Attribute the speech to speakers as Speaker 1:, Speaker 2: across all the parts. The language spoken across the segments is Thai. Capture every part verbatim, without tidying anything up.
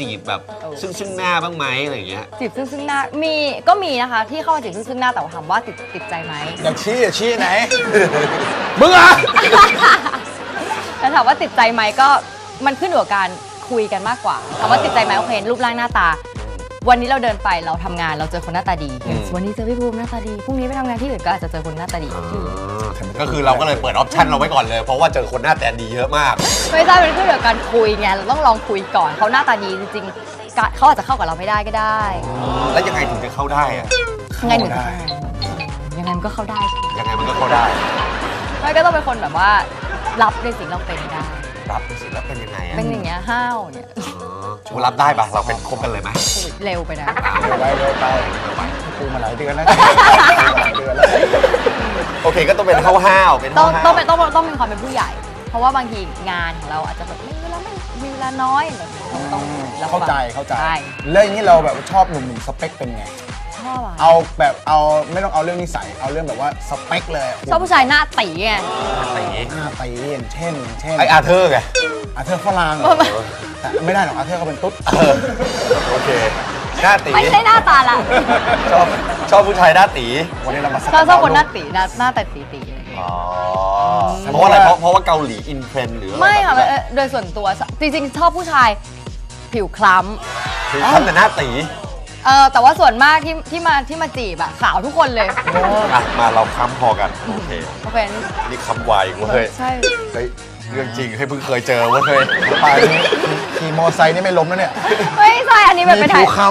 Speaker 1: จีบแบบซึ่งซึ่งหน้าบ้างไหมอะไรอย่างเงี้ย
Speaker 2: จีบซึ่งซึ่งหน้ามีก็มีนะคะที่เข้ามาจีบซึ่งซึ่งหน้าแต่ว่าถามว่าติดติดใจไหม
Speaker 3: อยากชี้อยากชี้ไหนมึงอ่ะ
Speaker 2: แต่ถามว่าติดใจไหมก็มันขึ้นอยู่กับการคุยกันมากกว่าถามว่าติดใจไหมโอเครูปร่างหน้าตาวันนี้เราเดินไปเราทำงานเราเจอคนหน้าตาดีวันนี้เจอพี่ภูมิหน้าตาดีพรุ่งนี้ไปทำงานที่อื่นก็อาจจะเจอคนหน้าตาดี
Speaker 1: ก็คือเราก็เลยเปิดออปชั่นเราไว้ก่อนเลยเพราะว่าเจอคนหน้าตาดีเยอะมาก
Speaker 2: ไม่ใช่เป็นขึ้นอยู่กับการคุยไงเราต้องลองคุยก่อนเขาหน้าตาดีจริงๆเขาอาจจะเข้ากับเราไม่ได้ก็ได้
Speaker 1: แล้วยังไงถึงจะเข้าได้อะ
Speaker 2: ยังไงถึงจะยังไงมันก็เข้าได้
Speaker 1: ยังไงมันก็เข้าได้
Speaker 2: ไม่ก็ต้องเป็นคนแบบว่ารับในสิ่งเราเป็นได้
Speaker 1: รับในสิ่งแล้วเป็นยังไงอะ
Speaker 2: เป็นอย่างเงี้ยห้าวเนี่ย
Speaker 1: ชูรับได้ปะเราเป็นคบกันเลยไหม
Speaker 2: เร็วไปนะ
Speaker 3: เร็วไปเร็วไปกูมาหลายเดือนแล้ว
Speaker 1: โอเคก็ต้องเป็นห้าวๆเป็น
Speaker 2: ต้องต้องเป็นต้องต้องมีความเป็นผู้ใหญ่เพราะว่าบางทีงานของเราอาจจะแบบไม่เวลาไม่มีเวลาน้อยแบบต้อง
Speaker 3: เข้าใจเข้าใจแล้วอย่างนี้เราแบบชอบหนุ่มๆสเปคเป็นไง
Speaker 2: ชอบอะ
Speaker 3: เอาแบบเอาไม่ต้องเอาเรื่องนิสัยเอาเรื่องแบบว่าสเปคเลย
Speaker 2: ชอบผู้ชายหน้าตีไง
Speaker 1: ตี
Speaker 3: หน้าตีอย่างเช่นเช่น
Speaker 1: ไออาเธอร์ไง
Speaker 3: อาเธอร์ฝรั่งแต่ไม่ได้หรอกอาเธอร์เขาเป็นตุ๊ด
Speaker 1: โอเคหน้าตี
Speaker 2: ไม่ใช่หน้าตาละ
Speaker 1: ชอบชอบผู้ชายหน้าตี
Speaker 3: วันนี้เรามา
Speaker 2: ชอบชอบคนหน้าตีหน้าแต่ตีตี
Speaker 1: อ๋อเพราะอะไรเพราะเพราะว่าเกาหลีอินเทรนด์หรือ
Speaker 2: ไม่ค่ะโดยส่วนตัวจริงๆชอบผู้ชายผิวคล้
Speaker 1: ำผิวคล้ำแต่หน้าตี
Speaker 2: เออแต่ว่าส่วนมากที่ที่มาที่มาจีบอะขาวทุกคนเลย
Speaker 1: มาเราค้ำพอกันโอเค
Speaker 2: โอเค
Speaker 1: นี่ค้ำไวเว้ย
Speaker 2: ใช่
Speaker 1: เฮ้ยเรื่องจริงให้เพิ่งเคยเจอเว้ยเคย
Speaker 3: ไปขี่มอไซค์นี่ไม่ล้มแล้วเนี่ย
Speaker 2: ไม่ใช่อันนี้แบบไปถ่าย
Speaker 3: ค้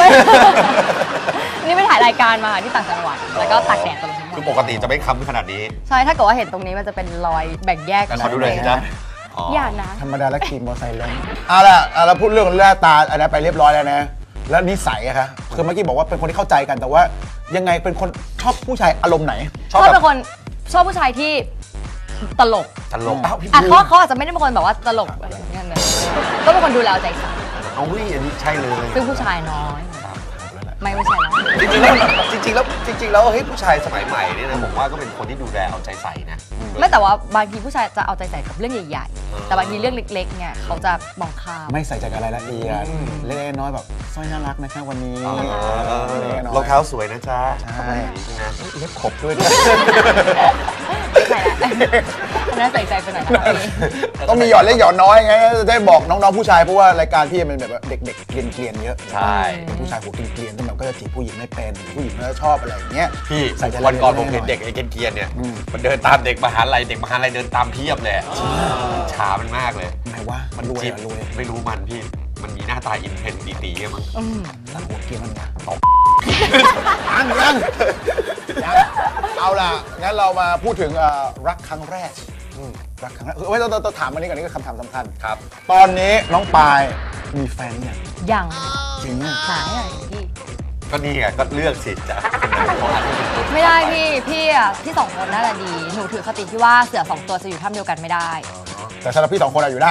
Speaker 2: ำนี่ไปถ่ายรายการมาที่ต่างจังหวัดแล้วก็ตากแดดตรงนี้
Speaker 1: คือปกติจะไม่ค้ำขนาดนี้
Speaker 2: ใช่ถ้าเกิดว่าเห็นตรงนี้มันจะเป็นรอยแบ่งแยก
Speaker 1: กันขอดูเลยจ้ะ
Speaker 2: อย่านะ
Speaker 3: ธรรมดาแล้วขี่มอไซค์ล้มเอาล่ะเราพูดเรื่องหน้าตาอันนั้นไปเรียบร้อยแล้วนะแล้วนิสัยอะคะคือเมื่อกี้บอกว่าเป็นคนที่เข้าใจกันแต่ว่ายังไงเป็นคนชอบผู้ชายอารมณ์ไหน
Speaker 2: ชอบเป็นคนชอบผู้ชายที่ตลก
Speaker 1: ตลกอ้าวพี่
Speaker 2: เขาเขาอาจจะไม่ได้เป็นคนแบบว่าตลกอะไรอย่างเงี้ยก็เป็นคนดูแลใจใส่
Speaker 1: เอาวิอันนี้ใช่เลย
Speaker 2: ซึ่งผู้ชายน้อยไม่ไม่ใช่แล้ว
Speaker 1: จริงๆแล้วจริงๆแล้วจริงๆแล้วเฮ้ยผู้ชายสมัยใหม่เนี่ยนะผมว่าก็เป็นคนที่ดูแลเอาใจใส่นะ
Speaker 2: ไม่แต่ว่าบางทีผู้ชายจะเอาใจใส่กับเรื่องใหญ่ๆแต่บางทีเรื่องเล็กๆเนี่ยเขาจะมองข้าม
Speaker 3: ไม่ใส่ใจกับรายละเอียดเล็กน้อยแบบสร้อยน่ารักนะคะวันนี้
Speaker 1: รองเท้าสวยนะจ๊ะ
Speaker 3: ใช่เล็บขบด้วย
Speaker 2: ใช่น่าใส่ใจไปหน่อย
Speaker 3: ต้องมีหยอดเล็กหยอดน้อยไงจะได้บอกน้องๆผู้ชายเพราะว่ารายการพี่มันแบบเด็กๆเกลียนๆเยอะ
Speaker 1: ใช่
Speaker 3: ผู้ชายหัวเกลียนๆที่แบบก็จะจีบผู้หญิงไม่เป็นผู้หญิงก็ชอบอะไรอย่างเงี้ย
Speaker 1: พี่วันก่อนผมเห็นเด็กไอ้เกลียนๆเนี่ยมันเดินตามเด็กมหาลัยเด็กมหาลัยเดินตามเพียบเลยช้ามันมากเลย
Speaker 3: ไหนว่ามันรวยรวย
Speaker 1: ไม่รู้มันพี่มันมีหน้าตาอินเทนตีๆมั้ง
Speaker 3: แล้วหัวเกลียนมันนะตบยังยังเอาล่ะงั้นเรามาพูดถึงรักครั้งแรกรักครั้งแรกเฮ้ยต้องต้องถามอันนี้ก่อนนี่ก็คำถามสำคัญ
Speaker 1: ครับ
Speaker 3: ตอนนี้น้องปายมีแฟนยัง
Speaker 2: ยัง
Speaker 3: จริง
Speaker 2: หายอะไรพี่
Speaker 1: ก็นี่ไงก็เลือกสิจ้ะ
Speaker 2: ไม่ได้พี่พี่อ่ะพี่สองคนน่าจะดีหนูถือคติที่ว่าเสือสองตัวจะอยู่ถ้ำเดียวกันไม่ได้
Speaker 3: แต่สำหรับพี่สองคนอยู่ได้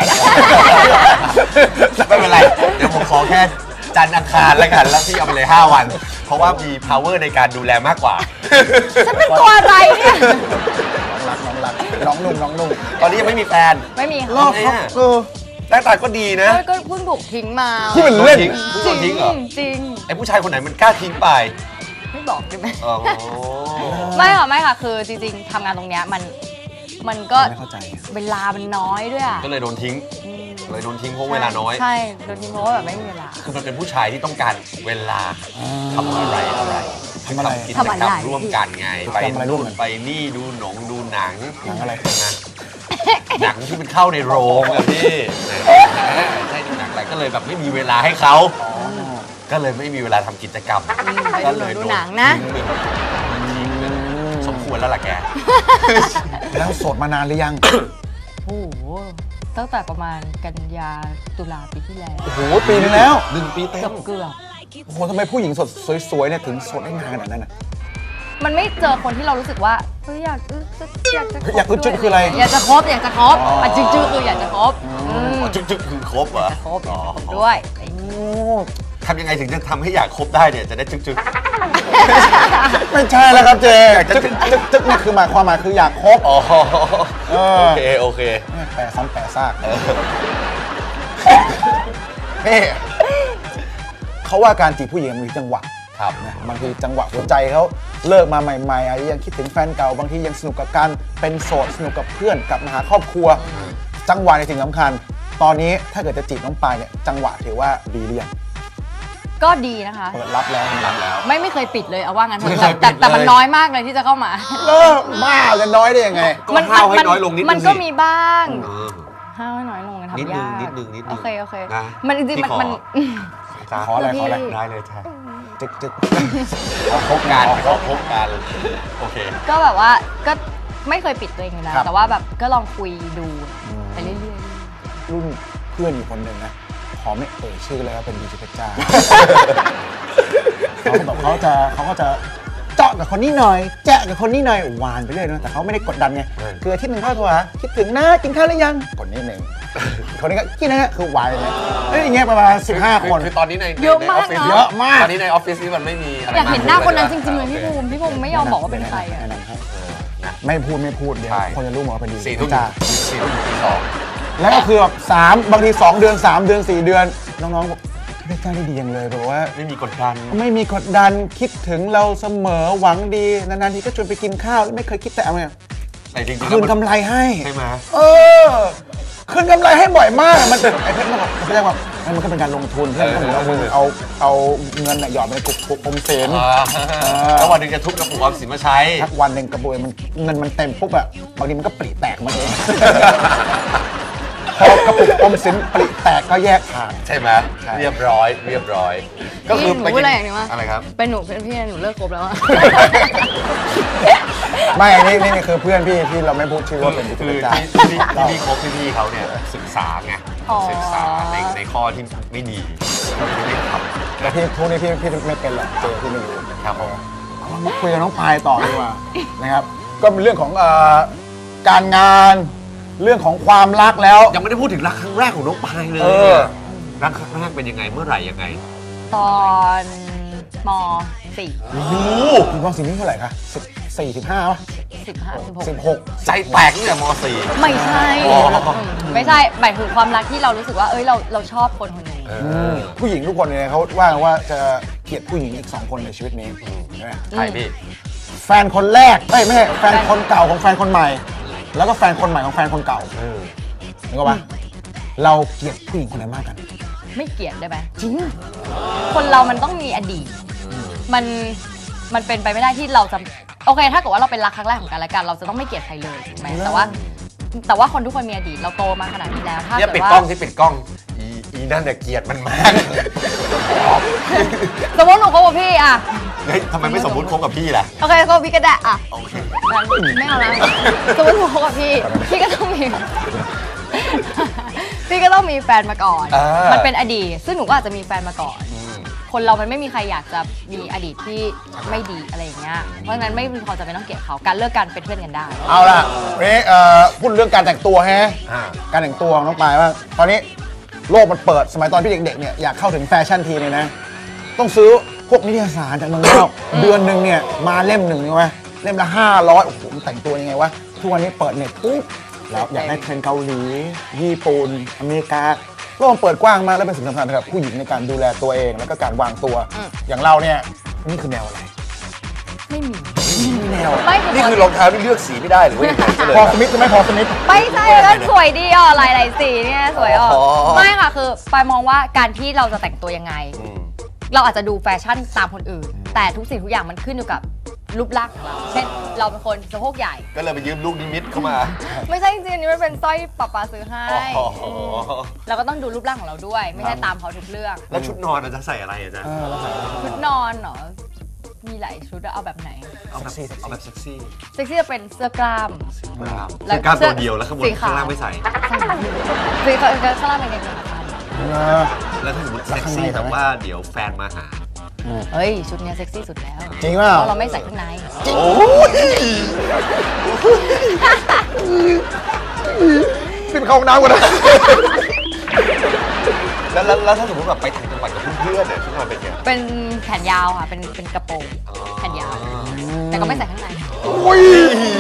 Speaker 1: ไม่เป็นไรเดี๋ยวผมขอแค่จันทร์อังคารแล้วกันแล้วพี่เอาไปเลยห้าวันเพราะว่ามี power ในการดูแลมากกว่า
Speaker 2: ฉันเป็นตัวอะไรเนี่ย
Speaker 3: น้องรักน้องรักน้องนุ่มน้องนุ่ม
Speaker 1: ตอนนี้ยังไม่มีแฟน
Speaker 2: ไม่มี
Speaker 1: รอบเนี่ยหน้าตาก็ดีนะ
Speaker 2: ก็เพิ่งถูกทิ้งมา
Speaker 3: ที่มันเล่น
Speaker 1: จริงจริงเหรอ
Speaker 2: จริง
Speaker 1: ไอ้ผู้ชายคนไหนมันกล้าทิ้งไป
Speaker 2: ไม่บอกได้ไหมไม่ค่ะไม่ค่ะคือจริงๆทำงานตรงเนี้ยมันมันก็เวลามันน้อยด้วยอ่ะ
Speaker 1: ก็เลยโดนทิ้งเลยโดนทิ้งเพราะเวลาน้อย
Speaker 2: ใช่โดนทิ้งเพราะว่าแบบไม่มีเวลา
Speaker 1: คือมันเป็นผู้ชายที่ต้องการเวลาทำอะไรอะไร
Speaker 3: ทำอะไร
Speaker 1: กิจกรรมร่วมกันไงไปนู่นไปนี่ดูหนงดูหนัง
Speaker 3: หนังอะไร
Speaker 1: นะหนังที่มันเข้าในโรงอะพี่ใช่ดูหนังอะไรก็เลยแบบไม่มีเวลาให้เขาก็เลยไม่มีเวลาทำกิจกรรม
Speaker 2: ก็เลยดูหนังนะ
Speaker 1: สมควรแล้วล่ะแก
Speaker 3: แล้วโสดมานานหรือยัง
Speaker 2: โอ้โหตั้งแต่ประมาณกันยาตุลาปีที่แล้ว
Speaker 3: โอ้โหปีนึงแล้ว
Speaker 1: หนึ่งปีเต็ม
Speaker 2: เกือบ
Speaker 3: โอ้โหทำไมผู้หญิงสดสวยๆเนี่ยถึงโสดได้นานขนาดนั้นอ่ะ
Speaker 2: มันไม่เจอคนที่เรารู้สึกว่าเฮ้ยอยากอยากจะ
Speaker 3: อยากอึดจึ๊กคืออะไร
Speaker 2: อยากจะคบอยากจะคบอ่ะจึ๊กจึ๊กคืออยากจะคบ
Speaker 1: จึ๊กจึ๊กคือคบเหรอ
Speaker 2: คบด้วย
Speaker 1: ทำยังไงถึงจะทำให้อยากคบได้เนี่ยจะได้จึ๊กจึ๊ก
Speaker 3: ไม่ใช่แล้วครับเจจึ๊กจึ๊กจึ๊กนี่คือหมายความหมายคืออยากคบ
Speaker 1: อ๋อโอเคโอเค
Speaker 3: แปะซ้ำแปะซากนี่เขาว่าการจีบผู้หญิงมันมีจังหวะ
Speaker 1: ครับ
Speaker 3: นะบางทีจังหวะหัวใจเขาเลิกมาใหม่ๆอาจจะยังคิดถึงแฟนเก่าบางทียังสนุกกับการเป็นโสดสนุกกับเพื่อนกลับมาหาครอบครัว จังหวะในสิ่งสำคัญ ตอนนี้ถ้าเกิดจะจีบน้องปายเนี่ยจังหวะถือว่าดีหรือยัง
Speaker 2: ก็ดีนะคะ
Speaker 3: เปิดรับแล้ว
Speaker 1: รับแล้ว
Speaker 2: ไม่ไม่เคยปิดเลยเอาว่างั้นเถ
Speaker 1: ไม่
Speaker 2: อะ
Speaker 1: เคย
Speaker 2: แต่
Speaker 1: ปิด
Speaker 2: แต่มัน
Speaker 1: เลย
Speaker 2: น้อยมากเลยที่จะเข้ามา
Speaker 3: เออบ้าจะน้อยได้ยังไง
Speaker 1: ก็ห้าวให้น้อยลงนิดนึง
Speaker 2: มันก็
Speaker 1: สิ
Speaker 2: มีบ้าง
Speaker 1: เออ
Speaker 2: ห้าวให้น้อยลงกัน
Speaker 1: นิด
Speaker 2: ทำ
Speaker 1: นึ
Speaker 2: ยาง ก
Speaker 1: นิดนึงนิดนึง
Speaker 2: โอเคโอเค
Speaker 1: นะ
Speaker 2: มันจริงๆมัน
Speaker 1: พี่ขอ
Speaker 2: มัน
Speaker 1: จ้า
Speaker 3: ขออะไรขออะไร
Speaker 2: พี่
Speaker 1: ได้เลยจ้า
Speaker 3: จึกจึก
Speaker 1: ขอพบกันขอพบกันโอเค
Speaker 2: ก็แบบว่าก็ไม่เคยปิดตัวเองอยู่แล้ว
Speaker 3: ครับ
Speaker 2: แต่ว่าแบบก็ลองคุยดูไปเรื่อย
Speaker 3: รุ่นเพื่อนอยู่คนหนึ่งนะขอไม่เอ่ยชื่อเลยว่าเป็นดีเจเพชรจ้า เขาแบบเขาจะเขาก็จะเจาะกับคนนี้หน่อยแจ๊ะกับคนนี้หน่อยหวานไปเรื่อยนะแต่เขาไม่ได้กดดันไง
Speaker 1: เออ
Speaker 3: คืออาที่หนึ่งเข้าโทรหาคิดถึงนะกินข้าวหรือยังคนนี้หนึ่งคนนี้ก็กินนะฮะคือหวานเลยเอ้ยอย่างเงี้ยประมาณสิบห้าคน
Speaker 1: คือตอนนี้ใน
Speaker 2: เยอะ
Speaker 1: ใน
Speaker 2: มา
Speaker 1: อก อฟฟิศ
Speaker 2: เนอะ
Speaker 3: เยอะมาก
Speaker 1: ตอนนี้ในออฟฟิศนี่มันไม่มีอะไร
Speaker 2: ๆอยากเห็นหน้าคนนั้นจริงๆเลย
Speaker 1: โอ
Speaker 2: พี่
Speaker 1: ค
Speaker 2: ภูมิพี่ภูมิไม่ยอมบอกว่าเป็นใครอะ
Speaker 3: แนะนำให้
Speaker 1: เออนะ
Speaker 3: ไม่พูดไม่พูดเดี๋ยว
Speaker 1: ใช่
Speaker 3: คนจะรู้หมดว่าเป็นดีเจ
Speaker 1: สี่
Speaker 3: เพ
Speaker 1: ทุ่ม
Speaker 3: ชรจ้า
Speaker 1: สี่ทุ่มถึงตีสอง
Speaker 3: แล้วก็คือแบบสามบางทีสองเดือนสามเดือนสี่เดือนน้องๆบอกเพชรจ้าได้ดีอย่างเลยแบบว่า
Speaker 1: ไม่มีกดดัน
Speaker 3: ไม่มีกดดันคิดถึงเราเสมอหวังดีนานๆทีก็ชวนไปกินข้าวไม่เคยคิดแต่เอาไง
Speaker 1: แต่จริงๆ
Speaker 3: คืน
Speaker 1: แล้ว
Speaker 3: กำไรให้
Speaker 1: ใช่ไหม
Speaker 3: เออคืนกำไรให้บ่อยมากมันเป็นไอ้เพชรมันบอกไม่ใช่ว่ามันก็เป็นการลงทุนเพื่อนก็เหมือนเอามือเอาเอาเงินน่ะหยอดไปในกรุกอมสิน
Speaker 1: อ่าแล้ววันหนึงจะทุบกระปุกออมสินมาใช้
Speaker 3: ทักวันหนึ่งกระบวยมันเงินมันเต็มปุ๊บอะบางทีมันก็ปริแตกมาเอง พอกระปุกอมสินปริแตกก็แยกทาง
Speaker 1: ใช่ไหม
Speaker 3: ใช่
Speaker 1: เรียบร้อยเรียบร้อย ก็คือ
Speaker 2: พี่หนูพูดอะไรอย่างนี้วะ
Speaker 1: อะไรครับ
Speaker 2: เป็นหนูเป็นพี่หนูเลิกคบแล้วอะ
Speaker 3: ไม่อันนี้นี่คือเพื่อนพี่ที่เราไม่พูดชื่อว่าเป็น
Speaker 1: คื
Speaker 3: ผู้
Speaker 1: อ
Speaker 3: จัดการ
Speaker 1: ที่ที่ที่พี่คบพี่ๆเขาเนี่ยศึกษาไง
Speaker 2: อ๋อ
Speaker 1: ศึกษาในในข้อที่ไม่ดีที่ไม่ท
Speaker 3: แต่พี่ทุกนี้พี่พี่ไม่เป็นหรอกเจอพี่ไม่รู้
Speaker 1: ำครับผม
Speaker 3: เอามาคุยกับน้องพายต่อดีกว่า นะครับ ก็เป็นเรื่องของเอ่อการงาน เรื่องของความรักแล้ว
Speaker 1: ยังไม่ได้พูดถึงรักครั้งแรกของน้องปายเลย
Speaker 3: เออ
Speaker 1: รักครั้งแรกเป็นยังไงเมื่อไหร่ยังไง
Speaker 2: ตอนมสี่
Speaker 1: โอ้โห
Speaker 3: มีความสิ่งนี้เท่าไหร่คะสิบสี่สิบห้าป่ะ
Speaker 2: สิบห้าสิบหก
Speaker 3: สิบหก
Speaker 1: ใจแตกตั้งแต่ม .สี่
Speaker 2: ไม่ใช่
Speaker 1: อ๋อ
Speaker 2: มไม่ใช่หมายถึงความรักที่เรารู้สึกว่าเอ้ยเราเราชอบคนคนหนึ่ง
Speaker 1: เอ
Speaker 3: อืม
Speaker 1: อ
Speaker 3: ผู้หญิงทุกคนเนี่ยเขาว่ากันว่าจะเกลียดผู้หญิงอีกสองคนในชีวิตนี้ใช่ไหม
Speaker 1: ใครพี่
Speaker 3: แฟนคนแรกเอ้ยไม่ใช่แฟนคนเก่าของแฟนคนใหม่ แล้วก็แฟนคนใหม่ของแฟนคนเก่า
Speaker 1: เออ
Speaker 3: เห็นก็ปะเราเกลียดผู้หญิงคนไหนมากกัน
Speaker 2: ไม่เกลียดได้ไหมจริงคนเรามันต้องมีอดีต มันมันเป็นไปไม่ได้ที่เราจะโอเค ถ้าเกิดว่าเราเป็นรักครั้งแรกของกันและกัน เราจะต้องไม่เกลียดใครเลยถูกไหมแต่ว่า แต่ว่าคนทุกคนมีอดีตเราโตมาขนาดนี้แล้ว ถ้า
Speaker 1: เนี่ย
Speaker 2: เกิ
Speaker 1: ปิ
Speaker 2: ด
Speaker 1: ด
Speaker 2: ว่าก
Speaker 1: ล้องที่ปิดกล้องอีอีนั่นเนี่ยเกลียดมันมาก
Speaker 2: สมมติหนูคบกับพี่อะ
Speaker 1: เฮ้ยทำไมไม่สมมุติคบกับพี่ล่ะ
Speaker 2: โอเคคบกับพี่ก็ได้อะ
Speaker 1: โอเค
Speaker 2: ไม่เอานะสมมติหนูคบกับพี่ พี่ก็ต้องมี พี่ก็ต้องมีแฟนมาก่อน
Speaker 1: อ่ามั
Speaker 2: มันเป็นอดีต ซึ่งหนูก็อาจจะมีแฟนมาก่อน
Speaker 1: อืม
Speaker 2: คนเรามันไม่มีใครอยากจะมีอดีตที่ไม่ดีอะไรอย่างเงี้ย เพราะฉะนั้นไม่มีความจำเป็นต้องเกลียดเขา การเลิกกันเป็นเพื่อนกันได้
Speaker 3: เอาล่ะวันนี้เอ่อพูดเรื่องการแต่งตัวฮะ
Speaker 1: อ่า
Speaker 3: การแต่งตัวของน้องปายว่าตอนนี้โลกมันเปิดสมัยตอนพี่เด็กๆเนี่ยอยากเข้าถึงแฟชั่นทีเนี่ยนะ ต้องซื้อพวกนิตยสารจากเมืองนอก เดือนหนึ่งเนี่ยมาเล่มหนึ่งใช่ไหมเล่มละห้าร้อยโอ้โหมันแต่งตัวยังไงวะทุกวันนี้เปิดเน็ตปุ๊บแล้วอยากได้เทรนด์เกาหลี ญี่ปุ่นอเมริกาโลกมันเปิดกว้างมากและเป็นสิ่งสำคัญสำหรับผู้หญิงในการดูแลตัวเองแล้วก็การวางตัว
Speaker 2: อืม
Speaker 3: อย่างเราเนี่ยนี่คือแนวอะไร
Speaker 2: ไม่มี
Speaker 3: นี่แนว
Speaker 2: ไม่
Speaker 1: นี่คือรองเท้าที่เลือกสีไม่ได้หรือว่ายังไงก็เลย
Speaker 3: พอสมิธใช่ไหมพอสมิธ
Speaker 2: ไม่ใช่แล้วสวยดีอ่ะหลายๆสีเนี่ยสวยอ่ะ
Speaker 1: อ๋อ
Speaker 2: ไม่ค่ะคือปายมองว่าการที่เราจะแต่งตัวยังไง
Speaker 1: อืม
Speaker 2: เราอาจจะดูแฟชั่นตามคนอื่น แต่ทุกสิ่งทุกอย่างมันขึ้นอยู่กับรูปร่างของเรา เช่น เราเป็นคนสะโพกใหญ่
Speaker 1: ก็เลยไปยืมลูกนิมิตเข้ามา
Speaker 2: ไม่ใช่จริงๆอันนี้มันเป็นสร้อยปะปาซื้อให้
Speaker 1: อ๋อ
Speaker 2: เราก็ต้องดูรูปร่างของเราด้วย ไม่ใช่ตามเขาทุกเรื่อง
Speaker 1: แล้วชุดนอนอาจจะใส่อะไรอาจารย์
Speaker 3: เออเราใส่
Speaker 2: ชุดนอนเหรอ มีหลายชุดอะเอาแบบไหน
Speaker 1: เอาแบบเอาแบบเซ็กซี่
Speaker 2: เซ็กซี่จะเป็นเสื้อกล้าม
Speaker 1: กล้าม
Speaker 2: แล้ว
Speaker 1: คือกล้ามตัวเดียวแล้วข้างบน
Speaker 2: สีขาว
Speaker 1: ข้างล่างไม่ใส่
Speaker 2: ใช่สีขาวข้างล่างเป็นกางเกงขาสั้น
Speaker 3: เออ
Speaker 1: แล้วถ้าสมมติเซ็กซี่แต่ว่าเดี๋ยวแฟนมาหา
Speaker 2: เฮ้ย ชุดเนี้ยเซ็กซี่สุดแล้ว
Speaker 3: จริงเปล่า
Speaker 2: เพราะเราไม่ใส่ข้างใน
Speaker 1: โอ้ย
Speaker 3: ขึ้นเข้าห้องน้ำกันนะ
Speaker 1: แล้วแล้วแล้วถ้าสมมติแบบไปต่างจังหวัดกับเพื่อนๆเนี่ยชุดนอนเป็นไง
Speaker 2: เป็นแขนยาวค่ะ เป็นเป็นกระโปรงแขนยาว แต่ก็ไม่ใส่ข้างใน
Speaker 3: อุ้ย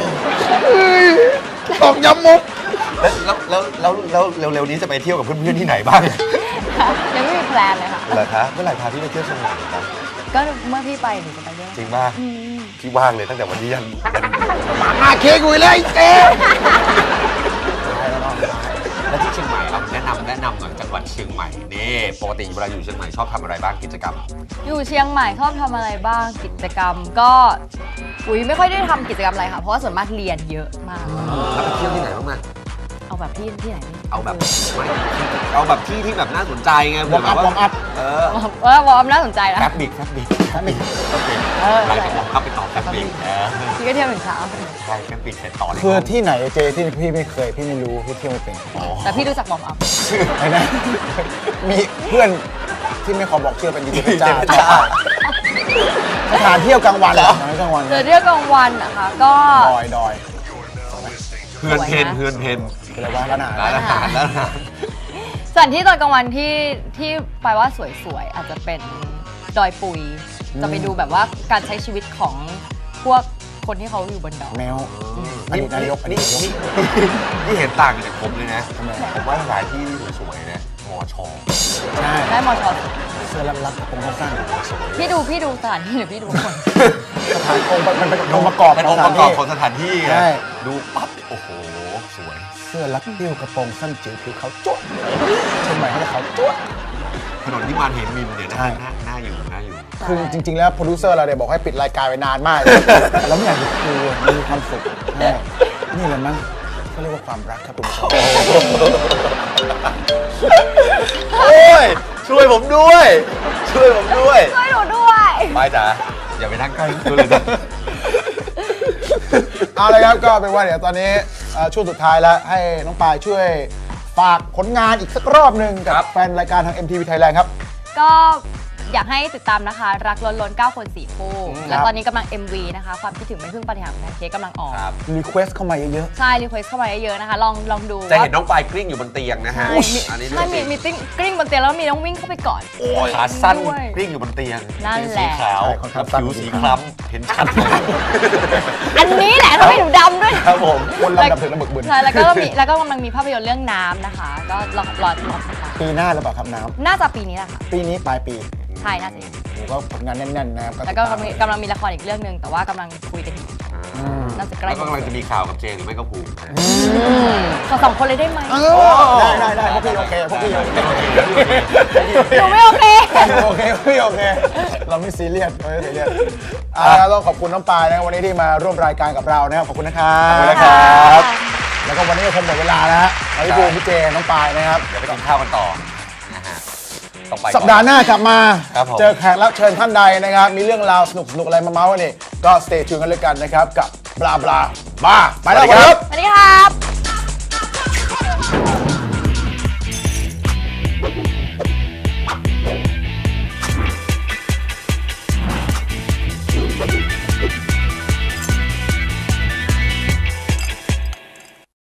Speaker 3: ตอกย้ำมุก
Speaker 1: แล้วแล้วแล้วแล้วแล้วเร็วๆนี้จะไปเที่ยวกับเพื่อนๆที่ไหนบ้าง
Speaker 2: ยังไม่ไม่มีแพลนเลยค่ะ
Speaker 1: เหรอคะเมื่อไหร่พาพี่ไปเที่ยวเชียงใหม่ครับ
Speaker 2: ก็เมื่อพี่ไปหนูจะไปด้วย
Speaker 1: จริงป่ะ
Speaker 2: อืม
Speaker 1: พี่ว่างเลยตั้งแต่วันนี้ยัน
Speaker 3: หมาหน้าเค้กกูเลยไอ้เจ๊
Speaker 1: แล้วที่เชียงใหม่เอาแนะนำแนะนำหน่อยจังหวัดเชียงใหม่นี่ปกติเวลาอยู่เชียงใหม่ชอบทำอะไรบ้างกิจกรรม
Speaker 2: อยู่เชียงใหม่ชอบทำอะไรบ้างกิจกรรมก็อุ้ยไม่ค่อยได้ทำกิจกรรมอะไรค่ะเพราะว่าส่วนมากเรียนเยอะมาก
Speaker 1: แล้วไปเที่ยวที่ไหนบ้างมั้ย
Speaker 2: เอาแบบที่ที่ไหนดี
Speaker 1: เอาแบบไม่เอาแบบที่ที่แบบน่าสนใจไง
Speaker 3: วอร์มอัพวอร์มอัพ
Speaker 1: เออ
Speaker 2: เออวอร์มน่าสนใจนะ
Speaker 1: แฟบบิกแฟบบิก
Speaker 3: แป๊บนึง
Speaker 2: เออ
Speaker 1: หลังจากผมเข้าไปต่อแฟบบิกเออ
Speaker 2: พี่ก็เที่ยวถึงเช้า
Speaker 1: ใช่แฟบบิกเสร็จต่อเลย
Speaker 3: คือที่ไหนเจที่พี่ไม่เคยพี่ไม่รู้พี่เที่ยวไม่เป็น
Speaker 2: แต่พี่รู้จักวอร์มอัพ
Speaker 3: ไอ้นะมีเพื่อนที่ไม่ขอบอกชื่อเป็นดีเจเพชรจ้า
Speaker 1: เจเพชรจ้า
Speaker 3: สถานเที่ยวกลางวันเหรอสถานกลางวัน
Speaker 2: เจอเที่ยวกลางวันนะคะก็
Speaker 3: ดอยดอย
Speaker 1: เพื่อนเพนเพื่อนเพน
Speaker 3: คืออะไรวะร้านอาหาร
Speaker 1: ร้านอาหารร้านอาหาร
Speaker 2: สถานที่ตอนกลางวันที่ที่ไปว่าสวยๆอาจจะเป็นดอยปุยจะไปดูแบบว่าการใช้ชีวิตของพวกคนที่เขาอยู่บนดอย
Speaker 3: แมวอดีตนายกอดี
Speaker 1: นี่
Speaker 3: ตนายก
Speaker 1: นี่นี่เห็นต่างกันจากผมเลยนะ
Speaker 3: ทำไม
Speaker 1: ผมว่าสถานที่สวยๆนะมอชอ
Speaker 3: ใช่
Speaker 2: ได้มอชอ
Speaker 3: เสื้อรัดๆผมสั้น
Speaker 2: พี่ดูพี่ดูสถานที่หรือพี่ดูคน
Speaker 3: ๆสถานองค์มันเป็นองค์ประกอบ
Speaker 1: เป็น
Speaker 3: ข
Speaker 1: อ
Speaker 3: อง
Speaker 1: งค์
Speaker 3: ส
Speaker 1: ป
Speaker 3: ถาน
Speaker 1: ระกอบ
Speaker 3: ที่
Speaker 1: ของสถานที่
Speaker 3: ใช่
Speaker 1: ไงดูปั๊บโอ้โหสวย
Speaker 3: เสื้อรัดติ้วกระโปรงสั้นจิ๋วผิวขาวจ้วะเชียงใหม่เขาจะขาวจ้วะ
Speaker 1: ถนนที่มานเหมินเนี่ยนะ
Speaker 3: ใช่
Speaker 1: น่าน่าอยู่น่าอยู่
Speaker 3: คือจริง ๆ แล้วโปรดิวเซอร์เราเนี่ยบอกให้ปิดรายการไปนานมาก แล้วไม่อยากจะคุยมันมีความสุขใช่นี่แหละมั้งเขาเรียกว่าความรักครับคุณผู้ชม
Speaker 1: โอ้ยช่วยผมด้วย ช่วยผมด้วย
Speaker 2: ช่วยหนูด้วย
Speaker 1: ไปจ๋าอย่าไปนั่งใกล้ตัวเลยนะ
Speaker 3: เอาเลยครับก็เป็นว่าเดี๋ยวตอนนี้เอ่อช่วงสุดท้ายแล้วให้น้องปายช่วยฝากผลงานอีกสักรอบหนึ่งกับแฟนรายการทาง เอ็ม ที วี Thailand ครับ
Speaker 2: ก็อยากให้ติดตามนะคะ รักล้นล้นเก้าคนสี่คู่ และตอนนี้กำลัง เอ็ม วี นะคะ ความคิดถึงไม่พึ่งปาฏิหาริย์ของแพนเค้กกำลังออก
Speaker 1: ครับ
Speaker 3: รีเควสเข้ามาเยอะ
Speaker 2: ใช่ รีเควสเข้ามาเยอะๆนะคะ ลองลองดู
Speaker 1: จะ
Speaker 2: ว่า
Speaker 1: เห็นน้องปลายกลิ้งอยู่บนเตียงนะฮะ
Speaker 2: ใช่มี
Speaker 1: อันนี้
Speaker 2: ใช่มีมีติ้งกลิ้งบนเตียงแล้วมีน้องวิ่งเข้าไปก่อน
Speaker 1: โอ้ยขาสั้น
Speaker 2: ด้วย
Speaker 1: กลิ้งอยู่บนเตียง
Speaker 2: นั่น
Speaker 1: เป็น
Speaker 2: แห
Speaker 1: สี
Speaker 2: ละ
Speaker 1: ขาวกับผิวสีคล้ำเห็นชัดเลย
Speaker 2: อันนี้แหละทำให้หนูดำด้วย
Speaker 1: ครับผม
Speaker 3: ๆคนลำดับถึงระเบิดบึน
Speaker 2: ใช่แล้วก็มีแล้วก็กำลังมีภาพยนตร์เรื่องน้ำนะคะ ก็รอรอรอติดตาม
Speaker 3: ปีหน้าหรือเปล่าครับน้
Speaker 2: น่าจะปีนี้แหละค่ะ
Speaker 3: ำปีนี้ปลายปี
Speaker 2: ใช่น่าจะอย่างนี้
Speaker 3: ผมก็ผลงานแน่นๆนะครับ
Speaker 2: แล้วก็กำลังกำลังมีละครอีกเรื่องหนึ่งแต่ว่ากำลังคุยกันอยู่
Speaker 3: อืม
Speaker 2: น่าจะใกล้
Speaker 1: แล้วก็กำลังจะมีข่าวกับเจหรือไม่ก็ภูมินะ
Speaker 2: ขอสองคนเลยได้ไหม
Speaker 3: เออได้ได้ได้พวกพี่โอเคพวกพี่โอเค
Speaker 2: หนูไม่โอเค
Speaker 3: โอเคพวกพี่โอเค เราไม่ซีเรียสเราไม่ซีเรียสอ่าต้องขอบคุณน้องปายนะครับวันนี้ที่มาร่วมรายการกับเรานะครับขอบคุณนะครับ
Speaker 1: ขอบคุณนะครับ
Speaker 3: แล้วก็วันนี้ก็คงหมดเวลาแล้วฮะพี่ภูมิพี่เจน้องปายนะครับ
Speaker 1: เดี๋ยวไปกินข้าวกันต่อนะฮะต้องไปก่อน
Speaker 3: สัปดาห์หน้ากลับมา
Speaker 1: ครับผม
Speaker 3: เจอแขกรับเชิญท่านใดนะครับ มีเรื่องราวสนุกสนุกอะไรมาเมาส์กันนี่ก็สเตย์ทูนกันเลยกันนะครับ กับบลาบลาบ้าไปแล้วครับ
Speaker 2: สวัสดีครับ